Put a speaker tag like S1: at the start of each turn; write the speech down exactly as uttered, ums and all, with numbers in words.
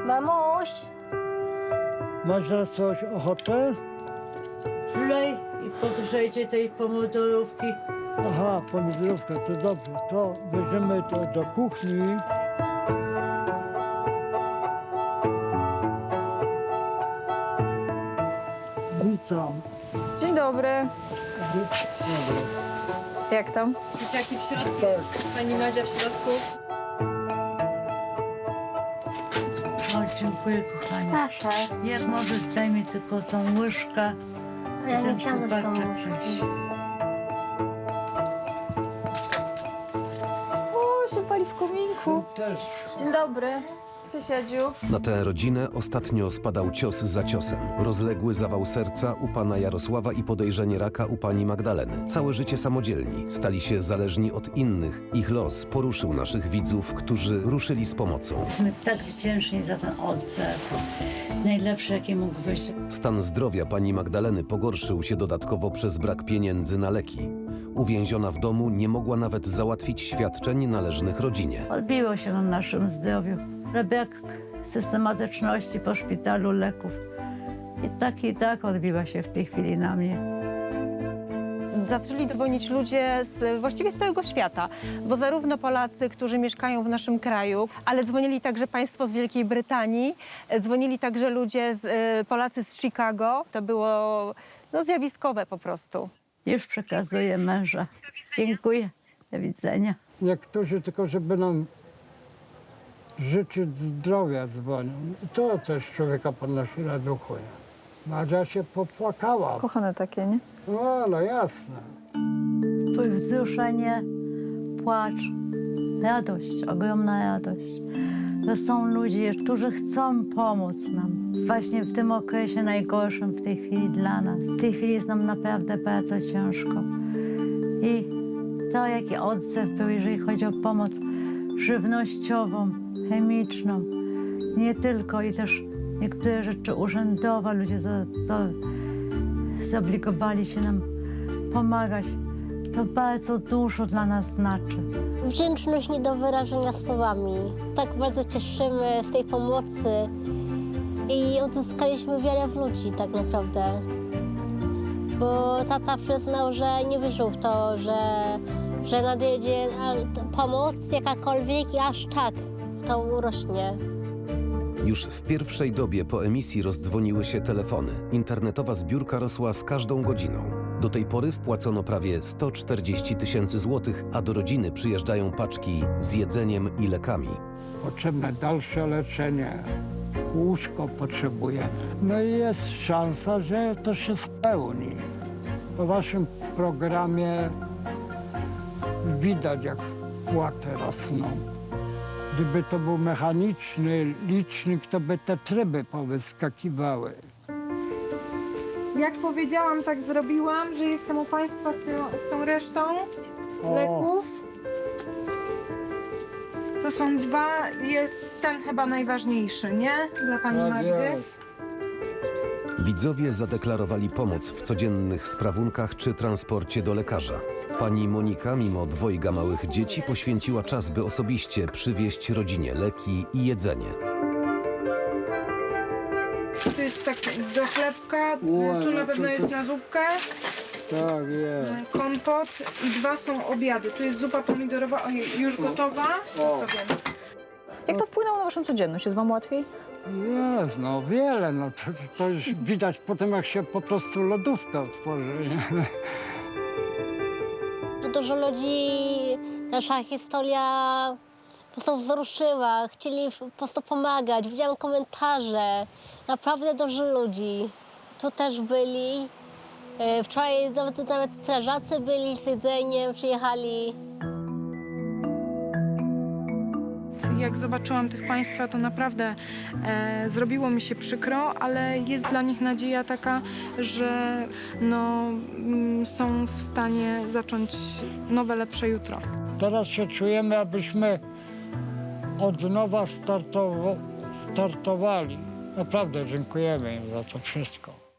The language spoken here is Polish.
S1: Mamuś!
S2: Masz na coś ochotę?
S3: Lej i podgrzejcie tej pomidorówki.
S2: Aha, pomidorówka, to dobrze. To weźmiemy to do kuchni. Witam.
S4: Dzień dobry.
S2: Dobra.
S4: Jak tam?
S5: Jaki w środku?
S2: Tak.
S5: Pani Madzia w środku?
S3: O, dziękuję, kochani.
S1: Proszę.
S3: Jak możesz, daj mi tylko tą łyżkę.
S1: Ja nie
S3: Ten
S1: wsiądę z tą
S3: kubeczek
S1: łyżką.
S3: weź.
S4: O, się pali w kominku.
S2: Też.
S4: Dzień dobry. Cześć, Jadziu.
S6: Na tę rodzinę ostatnio spadał cios za ciosem. Rozległy zawał serca u pana Jarosława i podejrzenie raka u pani Magdaleny. Całe życie samodzielni, stali się zależni od innych. Ich los poruszył naszych widzów, którzy ruszyli z pomocą.
S3: Jesteśmy tak wdzięczni za ten odzew. Najlepszy, jaki mógł być.
S6: Stan zdrowia pani Magdaleny pogorszył się dodatkowo przez brak pieniędzy na leki. Uwięziona w domu nie mogła nawet załatwić świadczeń należnych rodzinie.
S3: Odbiło się na naszym zdrowiu. Brak systematyczności po szpitalu, leków. I tak i tak odbiła się w tej chwili na mnie.
S5: Zaczęli dzwonić ludzie z, właściwie z całego świata, bo zarówno Polacy, którzy mieszkają w naszym kraju, ale dzwonili także państwo z Wielkiej Brytanii, dzwonili także ludzie, z, e, Polacy z Chicago. To było no, zjawiskowe po prostu.
S3: Już przekazuję męża. Dziękuję. Do widzenia.
S2: Niektórzy tylko, żeby nam życzyć zdrowia dzwonią. I to też człowieka podnosi na duchu. nie? Madzia się popłakała.
S4: Kochane takie, nie?
S2: No, no jasne.
S3: Wzruszenie, płacz, radość, ogromna radość. To są ludzie, którzy chcą pomóc nam. Właśnie w tym okresie najgorszym w tej chwili dla nas. W tej chwili jest nam naprawdę bardzo ciężko. I to, jaki odzew był, jeżeli chodzi o pomoc żywnościową, chemiczną, nie tylko, i też niektóre rzeczy urzędowe, ludzie za, za, zobligowali się nam pomagać. To bardzo dużo dla nas znaczy.
S1: Wdzięczność nie do wyrażenia słowami. Tak bardzo cieszymy z tej pomocy i odzyskaliśmy wiarę w ludzi tak naprawdę. Bo tata przyznał, że nie wierzył w to, że, że nadjedzie pomoc jakakolwiek i aż tak to urośnie.
S6: Już w pierwszej dobie po emisji rozdzwoniły się telefony. Internetowa zbiórka rosła z każdą godziną. Do tej pory wpłacono prawie sto czterdzieści tysięcy złotych, a do rodziny przyjeżdżają paczki z jedzeniem i lekami.
S2: Potrzebne dalsze leczenie. Łóżko potrzebujemy. No i jest szansa, że to się spełni. Po waszym programie widać, jak wpłaty rosną. Gdyby to był mechaniczny licznik, to by te tryby powyskakiwały.
S7: Jak powiedziałam, tak zrobiłam, że jestem u Państwa z, tą, z tą resztą
S2: O.
S7: leków. To są dwa, jest ten chyba najważniejszy, nie? Dla Pani
S2: Tak
S7: Magdy.
S2: jest.
S6: Widzowie zadeklarowali pomoc w codziennych sprawunkach czy transporcie do lekarza. Pani Monika, mimo dwojga małych dzieci, poświęciła czas, by osobiście przywieźć rodzinie leki i jedzenie.
S7: Tu jest tak do chlebka,
S2: Ue,
S7: tu
S2: no
S7: na pewno
S2: to-
S7: jest
S2: to-
S7: na zupkę,
S2: Tak jest.
S7: kompot i dwa są obiady. Tu jest zupa pomidorowa, ojej, już gotowa, to
S2: O.
S7: co wiem.
S4: Jak to wpłynęło na waszą codzienność? Jest wam łatwiej?
S2: Jest, no wiele. No, to, to już widać po tym, jak się po prostu lodówka otworzy. Nie?
S1: Dużo ludzi, nasza historia po prostu wzruszyła, chcieli po prostu pomagać. Widziałam komentarze, naprawdę dużo ludzi. Tu też byli. E, Wczoraj nawet, nawet strażacy byli z jedzeniem, przyjechali.
S7: Jak zobaczyłam tych Państwa, to naprawdę e, zrobiło mi się przykro, ale jest dla nich nadzieja taka, że no, mm, są w stanie zacząć nowe, lepsze jutro.
S2: Teraz się czujemy, abyśmy od nowa startowo- startowali. Naprawdę dziękujemy im za to wszystko.